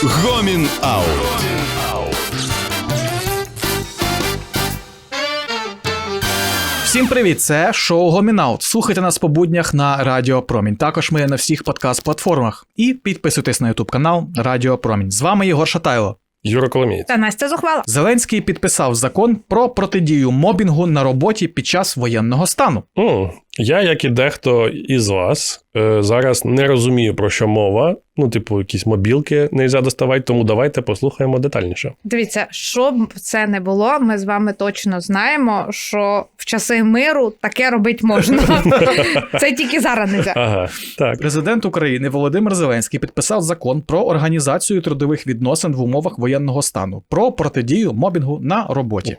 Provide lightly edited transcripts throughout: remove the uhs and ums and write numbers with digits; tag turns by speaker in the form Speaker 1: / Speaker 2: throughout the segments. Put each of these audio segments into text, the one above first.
Speaker 1: Гомін Аут.
Speaker 2: Всім привіт, це шоу Гомін Аут. Слухайте нас по буднях на Радіо Промінь. Також ми є на всіх подкаст-платформах. І підписуйтесь на ютуб-канал Радіо Промінь. З вами Єгор Шатайло.
Speaker 3: Юра Коломієць.
Speaker 4: Та Настя Зухвала.
Speaker 2: Зеленський підписав закон про протидію мобінгу на роботі під час воєнного стану.
Speaker 3: Я, як і дехто із вас, зараз не розумію, про що мова. Якісь мобілки не можна доставати, тому давайте послухаємо детальніше.
Speaker 4: Дивіться, що б це не було, ми з вами точно знаємо, що в часи миру таке робити можна. Це тільки зараз не можна.
Speaker 3: Ага, так.
Speaker 2: Президент України Володимир Зеленський підписав закон про організацію трудових відносин в умовах воєнного стану, про протидію мобінгу на роботі.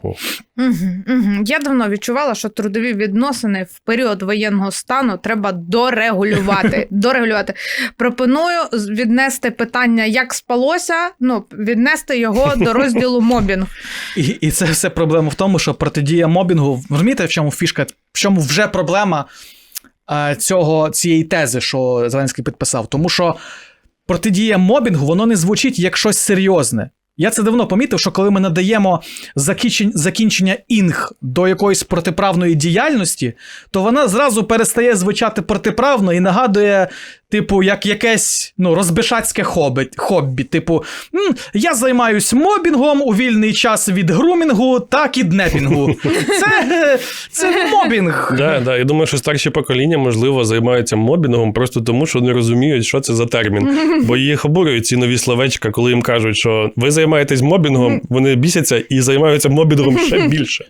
Speaker 4: Я давно відчувала, що трудові відносини в період воєнного стану треба дорегулювати. Пропоную віднести питання, як спалося, віднести його до розділу мобінг.
Speaker 2: І це все проблема в тому, що протидія мобінгу, розумієте, в чому фішка, в чому вже проблема цієї тези, що Зеленський підписав? Тому що протидія мобінгу, воно не звучить як щось серйозне. Я це давно помітив, що коли ми надаємо закінчення «інг» до якоїсь протиправної діяльності, то вона зразу перестає звучати протиправно і нагадує, як якесь розбишацьке хобі. Я займаюсь мобінгом у вільний час від грумінгу та кіднепінгу. Це мобінг.
Speaker 3: Да. Я думаю, що старші покоління, можливо, займаються мобінгом просто тому, що не розуміють, що це за термін. Бо їх обурюють ці нові словечка, коли їм кажуть, що ви займаєтесь мобінгом, вони бісяться і займаються мобінгом ще більше.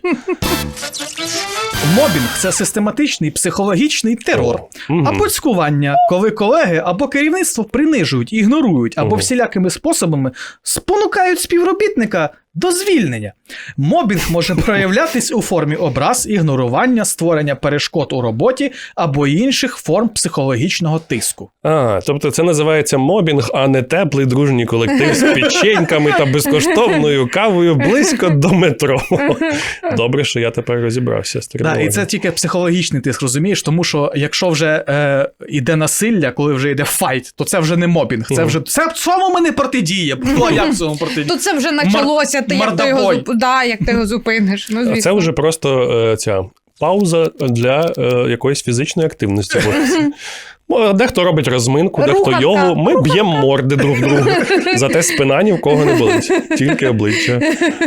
Speaker 2: Мобінг – це систематичний психологічний терор або цькування, коли колеги або керівництво принижують, ігнорують або всілякими способами спонукають співробітника до звільнення. Мобінг може проявлятись у формі образ, ігнорування, створення перешкод у роботі або інших форм психологічного тиску.
Speaker 3: Тобто це називається мобінг, а не теплий дружній колектив з печеньками та безкоштовною кавою близько до метро. Добре, що я тепер розібрався з термінологією.
Speaker 2: І це тільки психологічний тиск, розумієш? Тому що якщо вже йде насилля, коли вже йде файт, то це вже не мобінг. Це вже це в цьому не протидія. Як в цьому протидія?
Speaker 4: То це вже почалося, як ти його зупиниш.
Speaker 3: А це вже просто ця пауза для якоїсь фізичної активності. Дехто робить розминку, дехто йогу. Ми б'ємо морди друг другу. Зате спина ні в кого не болить. Тільки обличчя.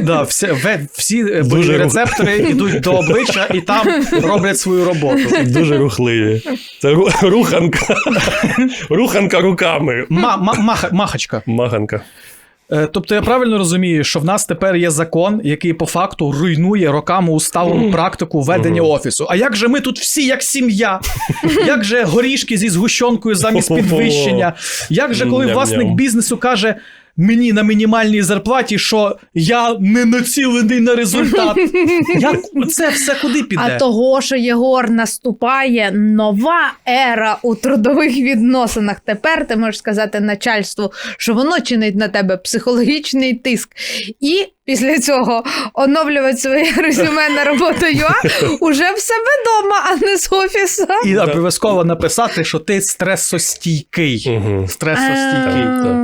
Speaker 2: Всі рецептори йдуть до обличчя і там роблять свою роботу.
Speaker 3: Дуже рухливі. Це руханка. Руханка руками.
Speaker 2: Махачка.
Speaker 3: Маханка.
Speaker 2: Тобто я правильно розумію, що в нас тепер є закон, який по факту руйнує роками усталену практику ведення офісу. А як же ми тут всі як сім'я? Як же горішки зі згущенкою замість підвищення? Як же коли власник бізнесу каже мені на мінімальній зарплаті, що я не націлений на результат? Як це все куди піде?
Speaker 4: А того, що, Єгор, наступає нова ера у трудових відносинах. Тепер ти можеш сказати начальству, що воно чинить на тебе психологічний тиск. І після цього оновлювати своє резюме на роботу.ua уже в себе вдома, а не з офісу.
Speaker 2: І обов'язково написати, що ти стресостійкий. Стресостійкий.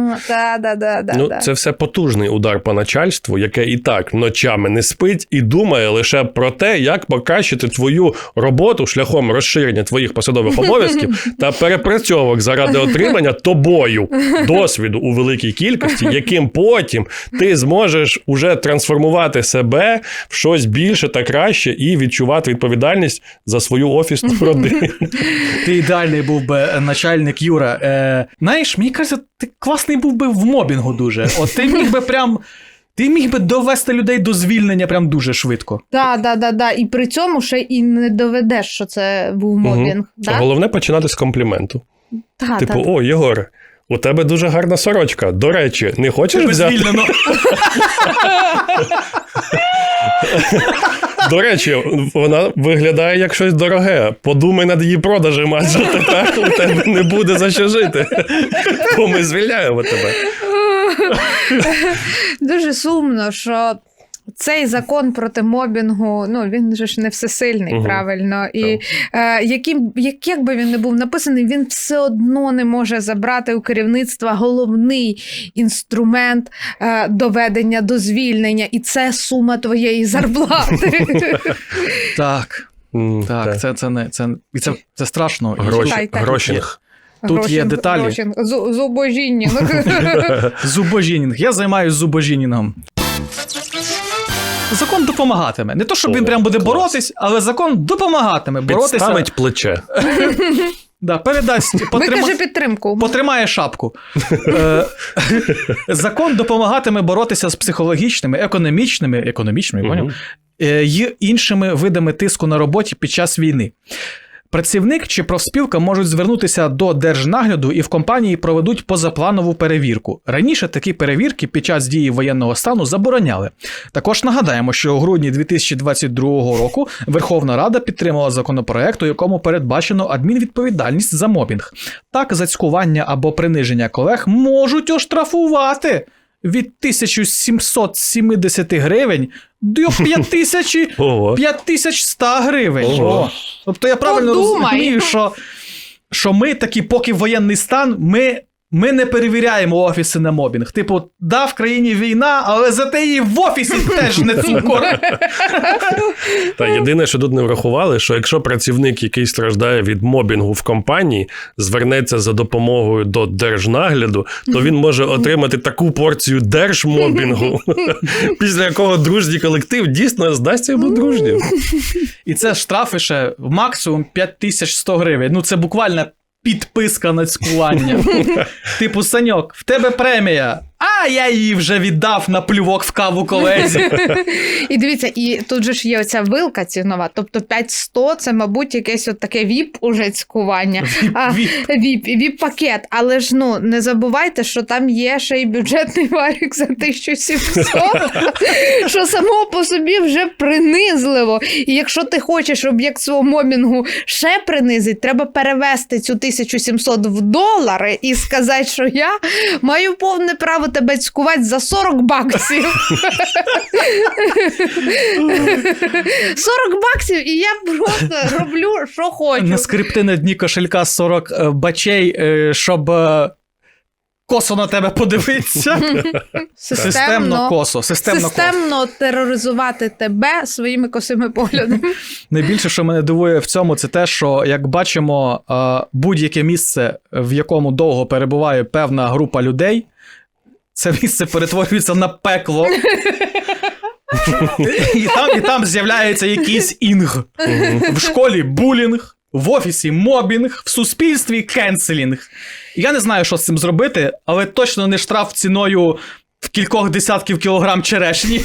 Speaker 3: Це все потужний удар по начальству, яке і так ночами не спить і думає лише про те, як покращити твою роботу шляхом розширення твоїх посадових обов'язків та перепрацьовок заради отримання тобою досвіду у великій кількості, яким потім ти зможеш уже трансформувати себе в щось більше та краще і відчувати відповідальність за свою офісну родину.
Speaker 2: Ти ідеальний був би начальник, Юра. Знаєш, мені кажеться, ти класний був би в мобінгу дуже. От ти міг би довести людей до звільнення прям дуже швидко.
Speaker 4: Так. І при цьому ще і не доведеш, що це був мобінг. Да?
Speaker 3: Головне починати з компліменту. О, Єгоре, у тебе дуже гарна сорочка. До речі, не хочеш взяти?
Speaker 2: Звільнено.
Speaker 3: До речі, вона виглядає як щось дороге. Подумай над її продажем, адже тепер у тебе не буде за що жити. Бо ми звільняємо тебе.
Speaker 4: Дуже сумно, що Цей закон проти мобінгу, ну, він же ж не всесильний, правильно. І як би він не був написаний, він все одно не може забрати у керівництва головний інструмент доведення до звільнення. І це сума твоєї зарплати.
Speaker 2: Так. Так, це страшно.
Speaker 3: Грошінг.
Speaker 2: Тут є деталі.
Speaker 4: Зубожінінг.
Speaker 2: Зубожінінг. Я займаюся зубожінінгом. Закон допомагатиме. Не то, щоб він прям буде боротись, але закон допомагатиме боротися.
Speaker 3: Підставить плече.
Speaker 2: Да, передасть,
Speaker 4: Викаже підтримку.
Speaker 2: Потримає шапку. Закон допомагатиме боротися з психологічними, економічними, поняв? І іншими видами тиску на роботі під час війни. Працівник чи профспілка можуть звернутися до держнагляду і в компанії проведуть позапланову перевірку. Раніше такі перевірки під час дії воєнного стану забороняли. Також нагадаємо, що у грудні 2022 року Верховна Рада підтримала законопроект, у якому передбачено адмінвідповідальність за мобінг. Так, за цькування або приниження колег можуть оштрафувати від 1770 гривень до 5100 гривень. Ого. Тобто я правильно розумію, що ми такі, поки воєнний стан, ми не перевіряємо офіси на мобінг. Типу, да, в країні війна, але зате і в офісі теж не цукор.
Speaker 3: Та єдине, що тут не врахували, що якщо працівник, який страждає від мобінгу в компанії, звернеться за допомогою до держнагляду, то він може отримати таку порцію держмобінгу, після якого дружній колектив дійсно здасться йому дружнім.
Speaker 2: І це штрафи ще максимум 5100 гривень. Ну, це буквально підписка на цькування. Типу, Саньок, в тебе премія, а я її вже віддав на плювок в каву колезі.
Speaker 4: І дивіться, і тут же ж є оця вилка цінова, тобто 5100 це, мабуть, якесь от таке віп уже цькування. Віп-пакет. Але ж, ну, не забувайте, що там є ще й бюджетний варік за 1700, що само по собі вже принизливо. І якщо ти хочеш об'єкт свого мобінгу ще принизити, треба перевести цю 1700 в долари і сказати, що я маю повне право тебе цькувати за 40 баксів. 40 баксів, і я просто роблю, що хочу.
Speaker 2: На скрипти на дні кошелька 40 бачей, щоб косо на тебе подивитися.
Speaker 4: Системно тероризувати тебе своїми косими поглядами.
Speaker 2: Найбільше, що мене дивує в цьому, це те, що, як бачимо, будь-яке місце, в якому довго перебуває певна група людей, це місце перетворюється на пекло. І там з'являється якийсь інг. В школі булінг, в офісі мобінг, в суспільстві кенселінг. Я не знаю, що з цим зробити, але точно не штраф ціною в кількох десятків кілограм черешні.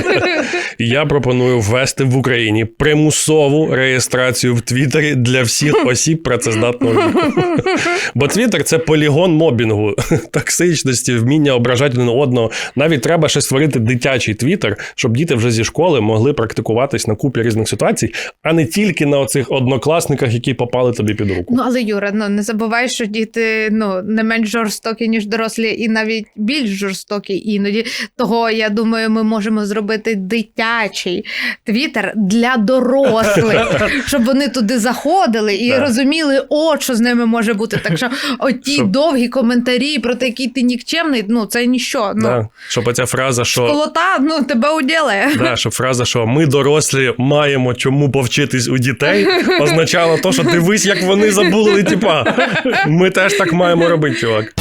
Speaker 3: Я пропоную ввести в Україні примусову реєстрацію в Твіттері для всіх осіб працездатного віку. Бо Твіттер – це полігон мобінгу, токсичності, вміння ображати один одного. Навіть треба ще створити дитячий Твіттер, щоб діти вже зі школи могли практикуватись на купі різних ситуацій, а не тільки на оцих однокласниках, які попали тобі під руку.
Speaker 4: Ну, але, Юра, не забувай, що діти не менш жорстокі, ніж дорослі, і навіть більш жорстокі іноді. Того, я думаю, ми можемо зробити дитячий Твіттер для дорослих, щоб вони туди заходили і розуміли, що з ними може бути. Так що оті довгі коментарі про те, який ти нікчемний, це ніщо.
Speaker 3: Щоб оця фраза, що...
Speaker 4: Школота, тебе уділає.
Speaker 3: Щоб фраза, що ми дорослі маємо чому повчитись у дітей, означало то, що дивись, як вони забули, ми теж так маємо робити, чувак.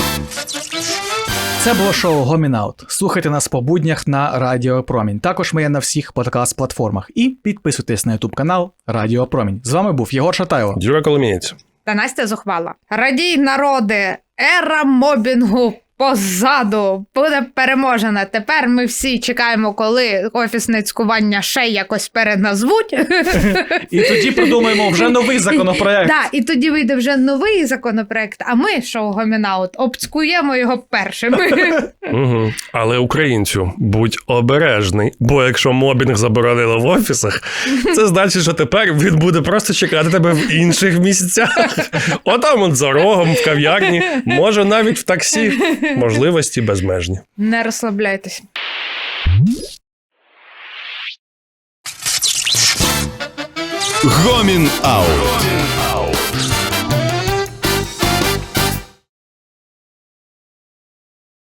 Speaker 2: Це було шоу Гомін Аут. Слухайте нас по буднях на Радіо Промінь. Також ми є на всіх подкаст-платформах. І підписуйтесь на YouTube канал Радіо Промінь. З вами був Єгор Шатайло,
Speaker 3: Юра Коломієць
Speaker 4: та Настя Зухвала. Радій, народи! Ера мобінгу позаду буде переможена. Тепер ми всі чекаємо, коли офісне цькування ще якось переназвуть.
Speaker 2: І тоді придумаємо вже новий законопроект.
Speaker 4: Так, і тоді вийде вже новий законопроект, а ми, шоу Гомін Аут, обцькуємо його першими.
Speaker 3: Але українцю, будь обережний, бо якщо мобінг заборонили в офісах, це значить, що тепер він буде просто чекати тебе в інших місцях. Отам за рогом, в кав'ярні, може навіть в таксі. Можливості безмежні.
Speaker 4: Не розслабляйтесь.
Speaker 1: Комін аут.